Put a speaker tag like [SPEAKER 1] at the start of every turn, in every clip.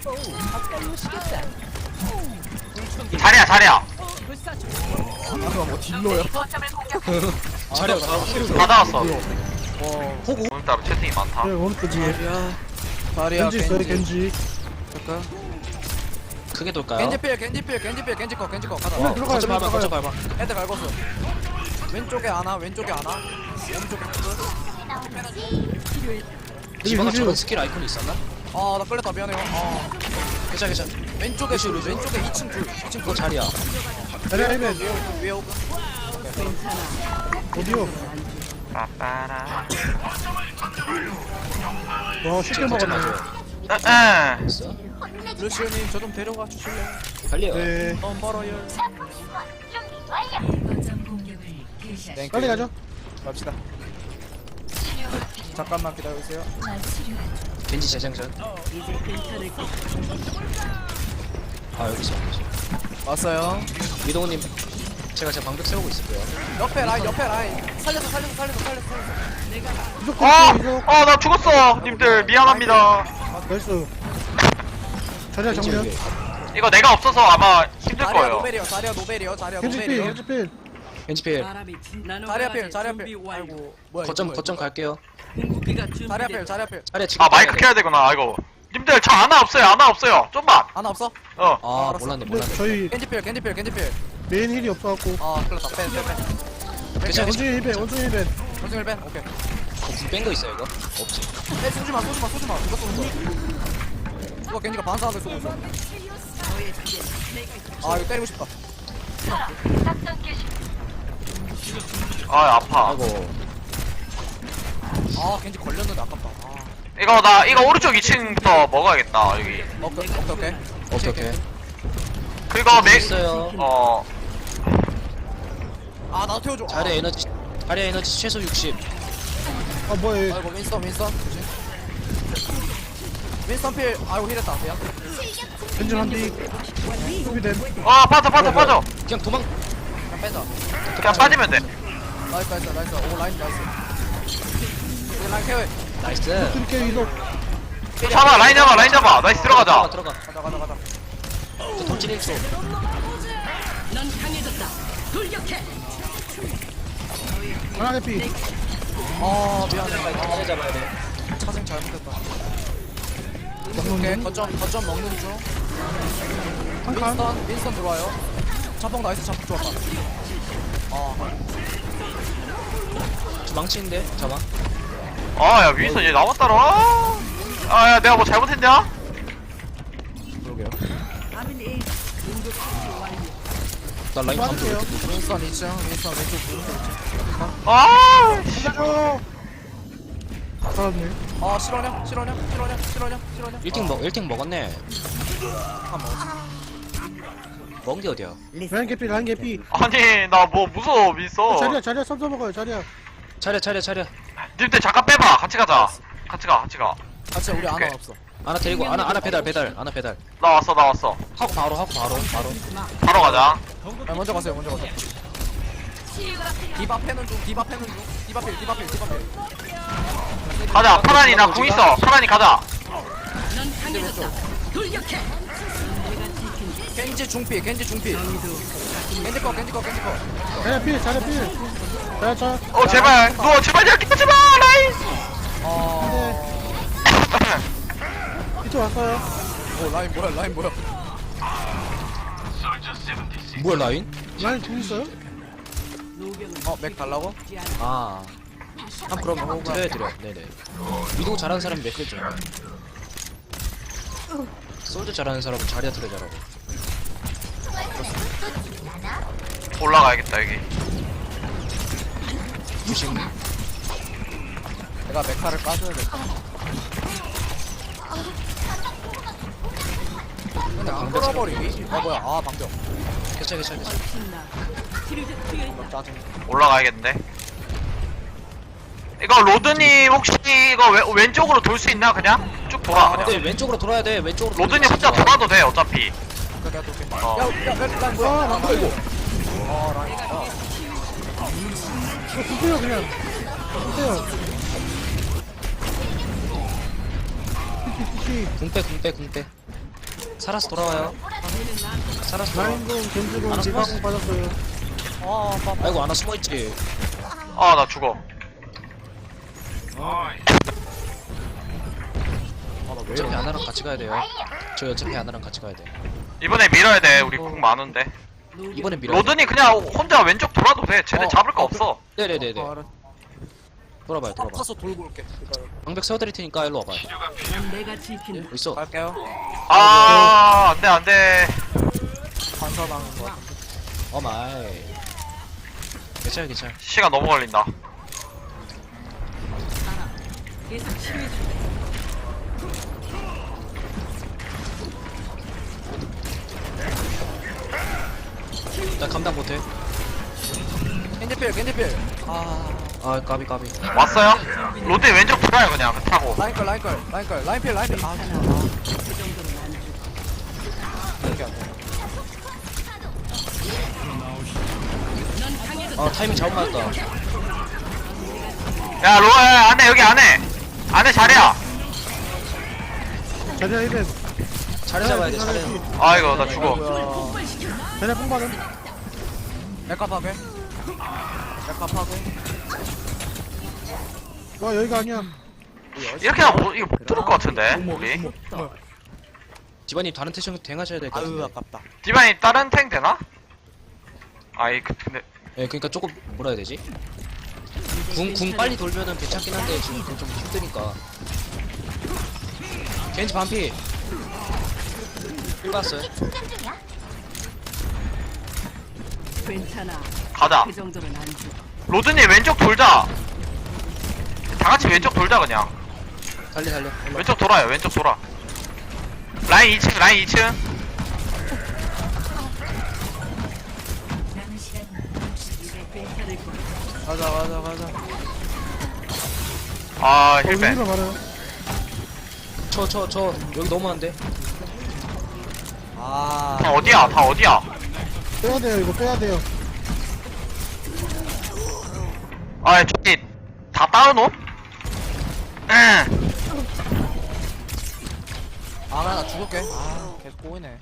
[SPEAKER 1] 자리야 자리야.
[SPEAKER 2] 아까 뭐 딜러야?
[SPEAKER 3] 자리야
[SPEAKER 1] 다 나왔어.
[SPEAKER 3] 호구
[SPEAKER 1] 오늘따라 채팅이 많다.
[SPEAKER 4] 네, 오른쪽 뒤에.
[SPEAKER 2] 다리야
[SPEAKER 4] 겐지 있어요, 겐지.
[SPEAKER 2] 잠깐.
[SPEAKER 3] 크게 돌까요?
[SPEAKER 2] 겐지필 겐지 거 가자.
[SPEAKER 4] 어, 들어가요,
[SPEAKER 3] 거점 밟아 거점
[SPEAKER 4] 들어가요.
[SPEAKER 3] 밟아
[SPEAKER 2] 헤드 갈궜어. 왼쪽에 하나 오른쪽에 끝.
[SPEAKER 3] 디바가
[SPEAKER 4] 루시오.
[SPEAKER 3] 저런 스킬 아이콘이 있었나?
[SPEAKER 2] 아나 끌렸다 미안해요.
[SPEAKER 3] 괜찮아 괜찮아
[SPEAKER 2] 왼쪽에 2층 둘 2층
[SPEAKER 3] 그거 자리야
[SPEAKER 4] 자리야, 헬멧.
[SPEAKER 2] 위에 오고.
[SPEAKER 4] 어디요?
[SPEAKER 1] 빠빠라.
[SPEAKER 4] 와, 쉽게
[SPEAKER 3] 지금 거점
[SPEAKER 4] 먹었네.
[SPEAKER 3] 맞아요
[SPEAKER 1] 에.
[SPEAKER 3] 됐어
[SPEAKER 2] 루시오님 저 좀 데려가 주실래요?
[SPEAKER 3] 달려
[SPEAKER 4] 네.
[SPEAKER 2] 너무 멀어요. 땡큐.
[SPEAKER 4] 빨리 가죠.
[SPEAKER 2] 갑시다. 잠깐만 기다려주세요.
[SPEAKER 3] 겐지 재생전 아 여기 있어
[SPEAKER 2] 왔어요.
[SPEAKER 3] 위도우님 제가 방벽 세우고 있을게요
[SPEAKER 2] 옆에 라인. 살렸어.
[SPEAKER 4] 이속
[SPEAKER 1] 아,
[SPEAKER 4] 겐지, 이속.
[SPEAKER 1] 나 죽었어. 님들 미안합니다.
[SPEAKER 4] 나이스. 자리야,
[SPEAKER 3] 겐지
[SPEAKER 4] 정면.
[SPEAKER 3] 여기
[SPEAKER 1] 이거 내가 없어서 아마 힘들
[SPEAKER 2] 자리야
[SPEAKER 1] 거예요.
[SPEAKER 2] 노벨이요.
[SPEAKER 4] 겐지 필, 겐지 필.
[SPEAKER 3] 겐지 필
[SPEAKER 2] 자리야 필. 아이고 뭐야?
[SPEAKER 3] 거점 갈게요
[SPEAKER 2] 자리야 필.
[SPEAKER 3] 자리야 지금
[SPEAKER 1] 아 마이크 켜야 되구나. 아이고. 님들 저 아나 없어요. 좀만.
[SPEAKER 2] 하나 없어?
[SPEAKER 1] 어.
[SPEAKER 3] 아
[SPEAKER 2] 알았어.
[SPEAKER 3] 몰랐네
[SPEAKER 4] 근데 저희
[SPEAKER 2] 겐지 필.
[SPEAKER 4] 메인 힐이 없어갖고.
[SPEAKER 2] 아 큰일났다. 빼.
[SPEAKER 3] 괜찮아
[SPEAKER 4] 원숭이 힐벤, 원숭이 힐벤.
[SPEAKER 2] 원숭이를 빼. 오케이.
[SPEAKER 3] 뺀거 있어 이거? 없지
[SPEAKER 2] 빼 쏘지마. 이거 쏘는 거. 이거 겐지가 반사하게 쏘고 있어. 아 이거 때리고 싶다.
[SPEAKER 1] 아 아파.
[SPEAKER 3] 아이고
[SPEAKER 2] 아 겐지 걸렸는데 아깝다.
[SPEAKER 1] 이거 오른쪽 2층부터 먹어야겠다 여기.
[SPEAKER 3] 오케이
[SPEAKER 1] 그리고
[SPEAKER 3] 있어요
[SPEAKER 2] 아 나도 태워줘.
[SPEAKER 3] 자리야 에너지 최소 60
[SPEAKER 4] 아, 뭐야, 얘.
[SPEAKER 2] 아이고 윈스턴 조심. 윈스턴 필. 아이고 힐했다. 미안.
[SPEAKER 4] 겐지 한 뒤. 수비됨.
[SPEAKER 1] 빠져.
[SPEAKER 3] 그냥 도망
[SPEAKER 2] 그냥 빼자.
[SPEAKER 1] 그냥 빠지면 돼.
[SPEAKER 2] 나이스. 오 라인 나이스. 이제 라인 케어.
[SPEAKER 3] 나이스
[SPEAKER 4] 드릴게요, 이속.
[SPEAKER 1] 잡아 라인 잡아. 나이스 들어가자.
[SPEAKER 3] 들어가
[SPEAKER 2] 가자.
[SPEAKER 3] 저 돌진 1초
[SPEAKER 4] 하나 개피.
[SPEAKER 2] 아 미안해.
[SPEAKER 3] 자리 잡아야 돼
[SPEAKER 2] 차생 잘못했다. 오케이 거점 먹는 중.
[SPEAKER 4] 한 칸.
[SPEAKER 2] 윈스턴 들어와요. 자폭 나이스. 자폭 좋았다.
[SPEAKER 3] 저 망치인데 잡아
[SPEAKER 1] 아야 윈선 얘 나왔다라. 아야 내가 뭐 잘못했냐?
[SPEAKER 3] 그러게요 나 라인 감도 왜 이렇게 늦어?
[SPEAKER 2] 윈스턴 2층. 윈스턴 왼쪽.
[SPEAKER 1] 아
[SPEAKER 4] 살려줘. 살았네.
[SPEAKER 2] 아 실화냐?
[SPEAKER 3] 1팅 먹었네
[SPEAKER 2] 한 먹었어.
[SPEAKER 3] 먹은 게 어디야
[SPEAKER 4] 라인 개피, 라인 개피.
[SPEAKER 1] 아니 나 뭐 무서워 윈선.
[SPEAKER 4] 자리야, 썸 먹어요, 자리야.
[SPEAKER 3] 차려
[SPEAKER 1] 님들 잠깐 빼봐. 같이 가자. 같이 가.
[SPEAKER 2] 같이 우리
[SPEAKER 1] 오케이.
[SPEAKER 2] 아나 없어.
[SPEAKER 3] 하나 데리고 하나 배달 하나 배달
[SPEAKER 1] 나 왔어.
[SPEAKER 3] 하고 바로
[SPEAKER 1] 바로 가자.
[SPEAKER 2] 아, 먼저 가세요. 디바 패는 중. 디바 필.
[SPEAKER 1] 가자. 파란이 나 궁 있어. 파란이 가자.
[SPEAKER 2] 겐지 왼쪽. 겐지 중피. 겐지 거.
[SPEAKER 4] 자리야 필, 자리야 필. 자리야,
[SPEAKER 1] 제발. 너 제발 이렇게 하지 마. 라인.
[SPEAKER 4] 이쪽 왔어요.
[SPEAKER 2] 오 라인 뭐야?
[SPEAKER 3] 뭐야 라인?
[SPEAKER 4] 라인 돈 있어요?
[SPEAKER 2] 맥 달라고?
[SPEAKER 3] 아
[SPEAKER 2] 그럼 호구.
[SPEAKER 3] 드려 네네 위도 잘하는 사람이 맥그죠 솔드 잘하는 사람은 자리야 트레 잘하고
[SPEAKER 1] 올라가야겠다 여기.
[SPEAKER 3] 무식
[SPEAKER 2] 내가 메카를 까줘야 돼. 근데 안 끌어버리기? 뭐야? 아 방벽.
[SPEAKER 3] 괜찮아
[SPEAKER 2] 짜증.
[SPEAKER 1] 올라가야겠는데. 이거 로드님 혹시 이거 왼쪽으로 돌 수 있나 그냥? 쭉 돌아
[SPEAKER 3] 근데
[SPEAKER 1] 그냥.
[SPEAKER 3] 왼쪽으로 돌아야 돼 왼쪽으로
[SPEAKER 1] 로드님 혼자 돌아도 돼 어차피.
[SPEAKER 2] 라인 뭐야? 안 보이고. 라인.
[SPEAKER 4] 주세요, 그냥. 주세요.
[SPEAKER 3] 궁빼 살아서 돌아와요. 살아서 돌아와.
[SPEAKER 4] 라인공 겐지공
[SPEAKER 3] 알았어.
[SPEAKER 4] 디바공 빠졌어요.
[SPEAKER 3] 아이고 아나 숨어있지.
[SPEAKER 1] 아 나 죽어.
[SPEAKER 3] 어차피 아나랑 같이 가야 돼요. 저 어차피 아나랑 같이 가야 돼.
[SPEAKER 1] 이번에 밀어야 돼. 우리 궁 많은데.
[SPEAKER 3] 이번엔 밀어야 돼.
[SPEAKER 1] 로든이 그냥 혼자 왼쪽 돌아도 돼. 쟤네 잡을 거 없어.
[SPEAKER 3] 네네네네. 돌아봐요 돌아봐.
[SPEAKER 2] 타서 돌고 올게.
[SPEAKER 3] 방벽 세워드릴 테니까 일로 와봐요.
[SPEAKER 5] 내가 지킨다.
[SPEAKER 3] 여기 있어.
[SPEAKER 2] 갈게요.
[SPEAKER 1] 아 안돼 안돼.
[SPEAKER 2] 반사당한 거 같은데.
[SPEAKER 3] 어마이. 괜찮아 괜찮아.
[SPEAKER 1] 시간 너무 걸린다.
[SPEAKER 5] 계속 치료해준다.
[SPEAKER 3] 나 감당 못해.
[SPEAKER 2] 겐지필.
[SPEAKER 3] 아 까비 까비.
[SPEAKER 1] 왔어요? 로드 왼쪽 돌아요 그냥 타고.
[SPEAKER 2] 라인필. 아,
[SPEAKER 5] 그 정도는 안 줘.
[SPEAKER 2] 이렇게 안 돼.
[SPEAKER 3] 아 타이밍 잘못 맞았다.
[SPEAKER 1] 야 로아 안에 여기 안에 자리야.
[SPEAKER 4] 자리야 1벤.
[SPEAKER 3] 자리 잡아야 돼 자리.
[SPEAKER 1] 아이고 나 죽어.
[SPEAKER 2] 뭐야.
[SPEAKER 4] 자리야 뽕 받은.
[SPEAKER 2] 메카 파괴.
[SPEAKER 4] 와 여기가 아니야.
[SPEAKER 1] 이렇게 하면 이거 못 들을 것 같은데 우리.
[SPEAKER 3] 디바님 다른 태션 댕하셔야 될 것
[SPEAKER 2] 아유
[SPEAKER 3] 같은데.
[SPEAKER 2] 아깝다.
[SPEAKER 1] 디바니 다른 탱 되나? 아이 근데
[SPEAKER 3] 예 그러니까 조금 뭐라 해야 되지? 궁 빨리 돌면은 괜찮긴 한데 지금 궁 좀 힘드니까. 겐지 반피. 힐봤어요.
[SPEAKER 5] 괜찮아.
[SPEAKER 1] 가자.
[SPEAKER 5] 그 정도는 안 줘.
[SPEAKER 1] 로드님 왼쪽 돌자. 다 같이 왼쪽 돌자 그냥.
[SPEAKER 3] 달려 달려. 일로.
[SPEAKER 1] 왼쪽 돌아요. 왼쪽 돌아. 라인 2층.
[SPEAKER 5] 괜찮을 거야.
[SPEAKER 2] 가자.
[SPEAKER 1] 아
[SPEAKER 4] 위로
[SPEAKER 1] 힐벤.
[SPEAKER 4] 말아요.
[SPEAKER 3] 저 여기 너무 안 돼.
[SPEAKER 2] 아.
[SPEAKER 1] 다 어디야?
[SPEAKER 4] 빼야 돼요 이거 빼야 돼요.
[SPEAKER 1] 아 저기 다 따로놈? 응.
[SPEAKER 2] 나 죽을게. 계속 꼬이네.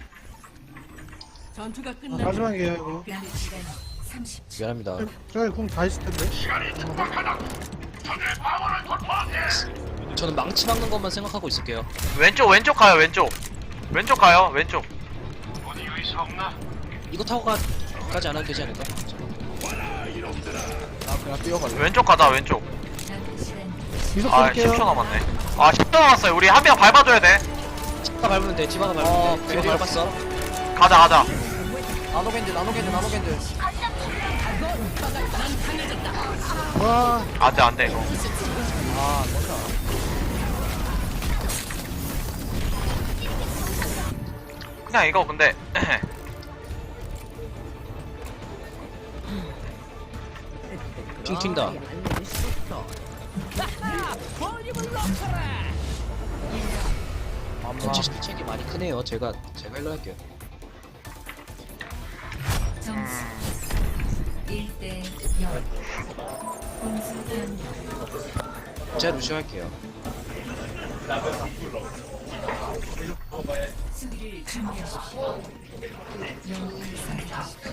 [SPEAKER 5] 전투가 끝나면
[SPEAKER 4] 마지막이에요 이거.
[SPEAKER 3] 미안합니다.
[SPEAKER 4] 저기 궁 다 있을 텐데.
[SPEAKER 3] 저는 망치 막는 것만 생각하고 있을게요.
[SPEAKER 1] 왼쪽 가요. 왼쪽 가요.
[SPEAKER 3] 이거 타고 가지 않아도 되지 않을까?
[SPEAKER 2] 나 그냥 뛰어갈래.
[SPEAKER 1] 왼쪽 가자. 왼쪽.
[SPEAKER 4] 미소
[SPEAKER 1] 아
[SPEAKER 4] 쏠게요.
[SPEAKER 1] 10초 남았네. 아 10초 남았어요. 우리 한 명 밟아줘야 돼.
[SPEAKER 3] 디바가 밟으면 돼. 디바가 밟으면 돼. 디바 밟았어.
[SPEAKER 1] 가자.
[SPEAKER 2] 나노겐지.
[SPEAKER 4] 와
[SPEAKER 1] 안돼 이거.
[SPEAKER 2] 뭔가.
[SPEAKER 1] 그냥 이거 근데
[SPEAKER 3] 핑 튄다. 전체 실책이 많이 크네요. 제가 일로 할게요.
[SPEAKER 6] 점수 1대 0. 공수 변경.
[SPEAKER 3] 제가 루시오 할게요.
[SPEAKER 6] 수비를 준비하십시오. 영웅을 선택하십시오.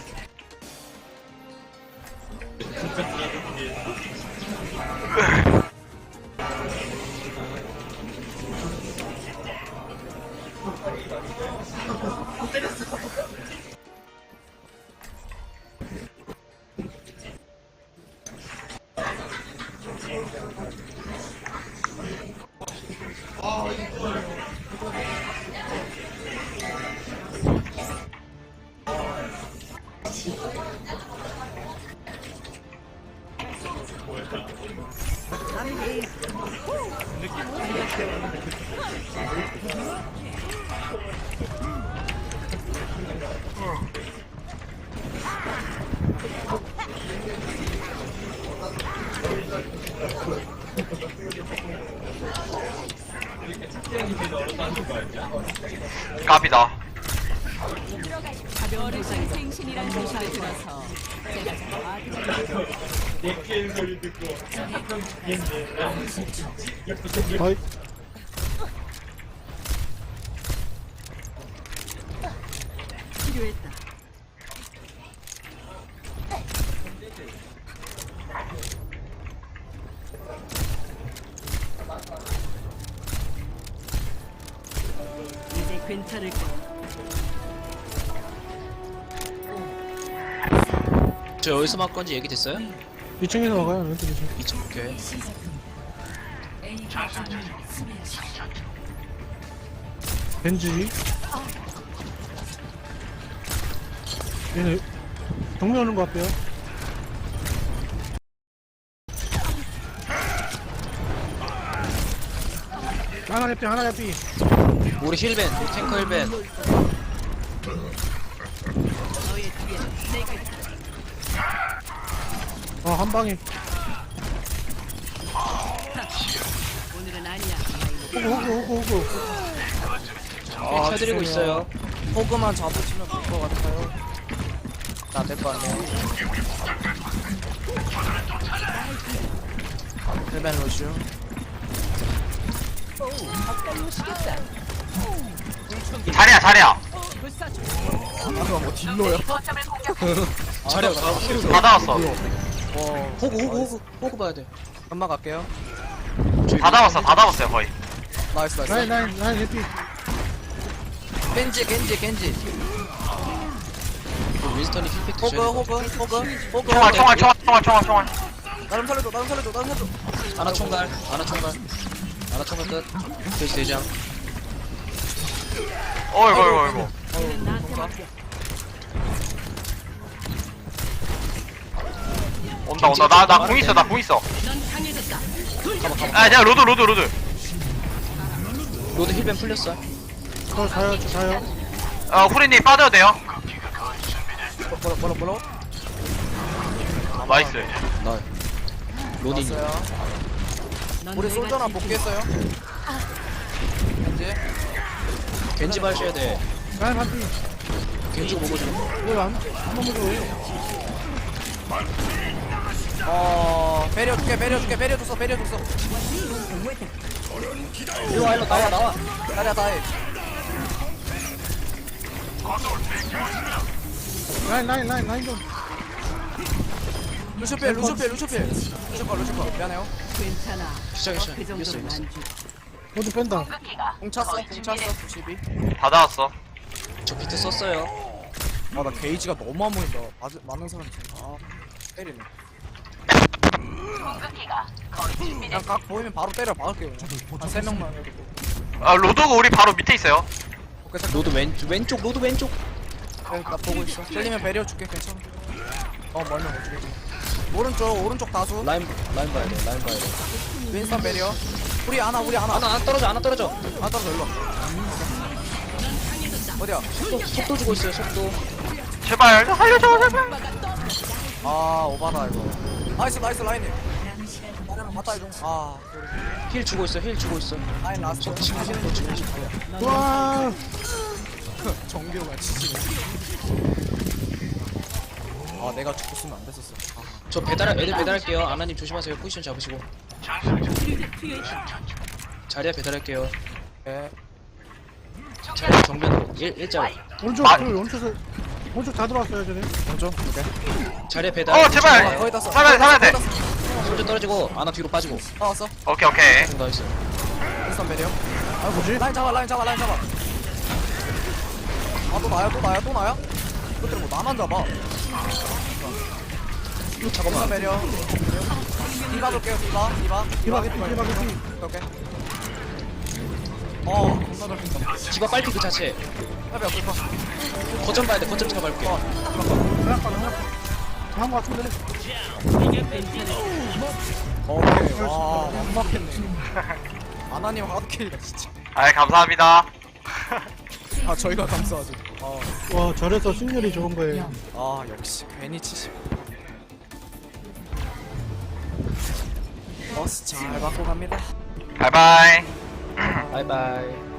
[SPEAKER 1] 갑이다.
[SPEAKER 5] 가벼운 부상이 생신이란 소식을 들어서 제가 좀
[SPEAKER 4] 어이
[SPEAKER 5] 필요했다. 이제 괜찮을 거야.
[SPEAKER 3] 저 어디서 막 건지 얘기 됐어요?
[SPEAKER 4] 2층에서 먹어요. 왼쪽 2층.
[SPEAKER 3] 2층 오케이.
[SPEAKER 6] A 거점을 수비하십시오.
[SPEAKER 4] 벤지. 얘네 정면 오는 것 같아요. 하나 잡히 하나 잡히.
[SPEAKER 3] 우리 힐벤, 우리 탱커 힐벤.
[SPEAKER 5] 너의 뒤에 내가 있다.
[SPEAKER 4] 한 방에.
[SPEAKER 5] 오늘은 아니야.
[SPEAKER 4] 호구.
[SPEAKER 3] 쳐드리고 있어요.
[SPEAKER 2] 호그만 잡으시면 될 것 같아요. 자, 될 거 아니에요. 힐벤 로슈.
[SPEAKER 1] 자리야.
[SPEAKER 2] 아까 뭐 딜러야?
[SPEAKER 3] 자리야,
[SPEAKER 1] 다 잡았어.
[SPEAKER 3] 호구 봐야 돼.
[SPEAKER 2] 금방 갈게요.
[SPEAKER 1] 다 잡았어요 거의.
[SPEAKER 2] 나이스.
[SPEAKER 4] 라인 해피.
[SPEAKER 2] 겐지.
[SPEAKER 3] 윈스턴이 힐팩 드셔야
[SPEAKER 2] 호그.
[SPEAKER 1] 총알.
[SPEAKER 2] 나름 살려줘.
[SPEAKER 3] 아나 총갈 끝. 돼지 대장.
[SPEAKER 1] 어이구.
[SPEAKER 5] 오늘은 나한테 맡겨.
[SPEAKER 1] 온다. 나 궁 있어.
[SPEAKER 5] 넌 강해졌다.
[SPEAKER 1] 아, 내가 로드.
[SPEAKER 3] 로드 힐벤 풀렸어.
[SPEAKER 4] 저 자요.
[SPEAKER 1] 후리님 빠져도 돼요.
[SPEAKER 2] 뭐라?
[SPEAKER 1] 나이스.
[SPEAKER 3] 나 로디.
[SPEAKER 2] 왔어요.
[SPEAKER 5] 넌
[SPEAKER 2] 우리
[SPEAKER 5] 내가
[SPEAKER 2] 솔저나
[SPEAKER 5] 지킨
[SPEAKER 2] 복귀했어요. 겐지.
[SPEAKER 3] 겐지 봐셔야 돼.
[SPEAKER 4] 라인 해피.
[SPEAKER 3] 겐지 보고 좀.
[SPEAKER 4] 왜한 번만 더.
[SPEAKER 2] 배려줬어.
[SPEAKER 3] 일로 와 나와.
[SPEAKER 2] 다리야 다이.
[SPEAKER 4] 라인 좀.
[SPEAKER 2] 루시필. 루시커. 미안해요.
[SPEAKER 5] 괜찮아.
[SPEAKER 3] 시작했어.
[SPEAKER 5] 그 정도는 안 주.
[SPEAKER 4] 모두 뺀다.
[SPEAKER 2] 공 찼어. 92.
[SPEAKER 1] 다 잡았어.
[SPEAKER 3] 저 비트 썼어요.
[SPEAKER 2] 나 게이지가 너무 안 보인다. 많은 사람이 때리네. 그냥 각 보이면 바로 때려 박을게요. 한 3명만 해도.
[SPEAKER 1] 로드가 우리 바로 밑에 있어요.
[SPEAKER 2] 오케이, 잠깐.
[SPEAKER 3] 로드 왼쪽. 로드 왼쪽.
[SPEAKER 2] 그래, 나 보고 있어. 때리면 배려 줄게. 괜찮아. 멀면 못 죽이지. 오른쪽 다수.
[SPEAKER 3] 라인 봐야 돼.
[SPEAKER 2] 윈스턴 배려. 우리 하나.
[SPEAKER 3] 아나 떨어져.
[SPEAKER 2] 안 떨어져 일로 와. 어디야?
[SPEAKER 3] 속도 주고 있어요. 속도.
[SPEAKER 1] 제발 살려줘 제발.
[SPEAKER 2] 오바다 이거. 나이스 라인이. 나랑 맞다 이거.
[SPEAKER 3] 힐 주고 있어.
[SPEAKER 2] 라인 라스트.
[SPEAKER 3] 지금
[SPEAKER 4] 와.
[SPEAKER 2] 정규가 지지네. 내가 죽었으면 안 됐었어.
[SPEAKER 3] 저 애들 배달할게요. 아나님 조심하세요. 포지션 잡으시고. 자리야 배달할게요.
[SPEAKER 2] 네.
[SPEAKER 3] 자리야 정면으로 일자.
[SPEAKER 4] 오른쪽 다 들어왔어요, 쟤네.
[SPEAKER 2] 먼저. 오케이.
[SPEAKER 3] 자리야 배달.
[SPEAKER 1] 제발.
[SPEAKER 2] 거의 다 써.
[SPEAKER 1] 살아야 돼.
[SPEAKER 3] 손절 떨어지고 아나 뒤로 빠지고.
[SPEAKER 2] 나왔어.
[SPEAKER 1] 오케이.
[SPEAKER 3] 나이스.
[SPEAKER 2] 윈스턴 배려.
[SPEAKER 4] 뭐지?
[SPEAKER 2] 라인 잡아. 또 나야? 그때 뭐 나만 잡아. 윈스턴 배려. 디바 볼게요. 디바. 오케이. 겁나 잘 핀다.
[SPEAKER 3] 디바 빨리 그 자체.
[SPEAKER 2] 해봐, 불파.
[SPEAKER 3] 거점 봐야 돼. 거점 잡아볼게.
[SPEAKER 4] 한거 같은데.
[SPEAKER 2] 오케이. 완막했네. 아나님 하드캐리다, 진짜.
[SPEAKER 1] 감사합니다.
[SPEAKER 2] 저희가 감사하죠.
[SPEAKER 4] 와, 저래서 승률이 좋은 거예요.
[SPEAKER 2] 역시. 괜히 70. 버스 잘 받고 갑니다.
[SPEAKER 1] 바이바이.
[SPEAKER 3] 바이바이.